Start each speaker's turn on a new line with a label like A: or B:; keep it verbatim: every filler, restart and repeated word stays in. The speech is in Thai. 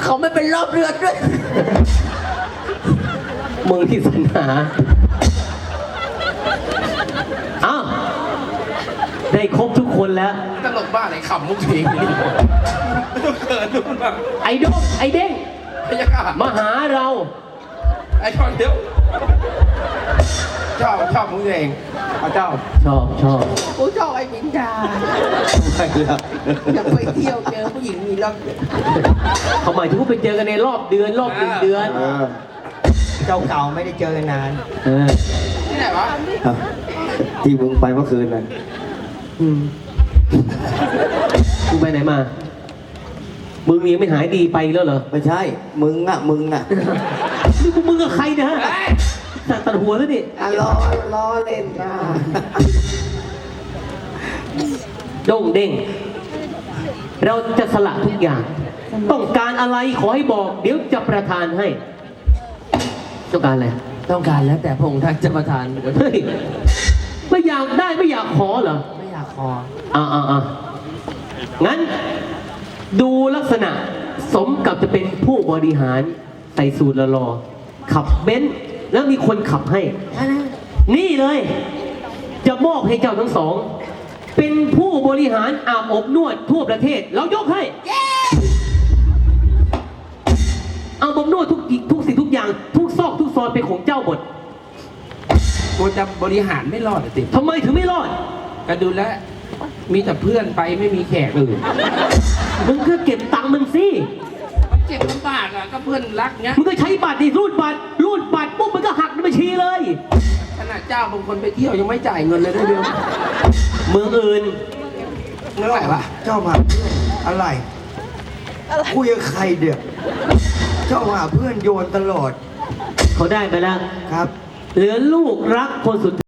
A: เขาไม่เป็นรอบเรือนด้วย
B: มึงที่สนาอ้าวได้ครบทุกคนแล้ว
C: ตลกบ้าไหนขำมุกเพลงนี่ต้องเกิดดูแบบ
B: ไอ้ดงไอ้เด้ง
C: พยากาศ
B: มาหาเรา
C: ไอ้ชอนเดียวชอบชอบมุกเพลงเอาเจ้า
B: ชอบชอบ
A: กูชอบไอ้มินดา
B: ไม่แล้ว
A: อยากไปเที่ยวเจอผู้หญิงมีรอบ
B: เขาหมายถึงว่าไปเจอกันในรอบเดือนรอบหนึ่งเดือน
A: เจ้าเก่าไม่ได้เจอกันนาน
C: ที่ไหนวะ
D: ที่มึงไปเมื่อคืนน่ะ
B: อืมมึงไปไหนมามึงยังไม่หายดีไปแล้วเหรอ
D: ไม่ใช่มึงอ่ะมึงอ่ะ
B: นี่กูมึงกับใครนะตัดหัวแล้วนี่
A: ล้อล้อเล่นนะ
B: โด่งเด้งเราจะสละทุกอย่างต้องการอะไรขอให้บอกเดี๋ยวจะประทานให้ต้องการอะไร
A: ต้องการแล้วแต่พงษ์ท่านจะประทาน
B: เฮ้ยไม่อยากได้ไม่อยากขอเหรอ
A: ไม่อยากขอ
B: อ่าอ่าอ่างั้นดูลักษณะสมกับจะเป็นผู้บริหารใส่สูตรหล่อๆขับเบนซ์แล้วมีคนขับให้นี่เลยจะมอบให้เจ้าทั้งสองเป็นผู้บริหารอาบอบนวดทั่วประเทศเรายกให้อาบอบนวดทุกทุกสิ่งทุกอย่างทุกซอกทุกซอยเป็นของเจ้าหมด
C: กูจะบริหารไม่รอดติ
B: ทำไมถึงไม่รอด
C: ก็ดูแลมีแต่เพื่อนไปไม่มีแขกอื่น
B: มึงก็เก็บตังค์มึงสิ
C: มันเจ็บลำบากอ่ะก็เพื่อนรักเนี้ย
B: มึงก็ใช้บัตรดิรูดบัตรรูดบัตรปุ๊บมันก็หักในบัญชีเลย
C: ขนาดเจ้าบางคนไปเที่ยวยังไม่จ่ายเงินเลยด้วยเดียว
B: เมืองอื่น
C: เงินไหนวะ
D: เจ้ามาอะไรคุยกับใครเดี๋ยวเจ้ามาเพื่อนโยนตลอด
B: เขาได้ไปแล้ว
D: ครับ
B: เหลือลูกรักคนสุด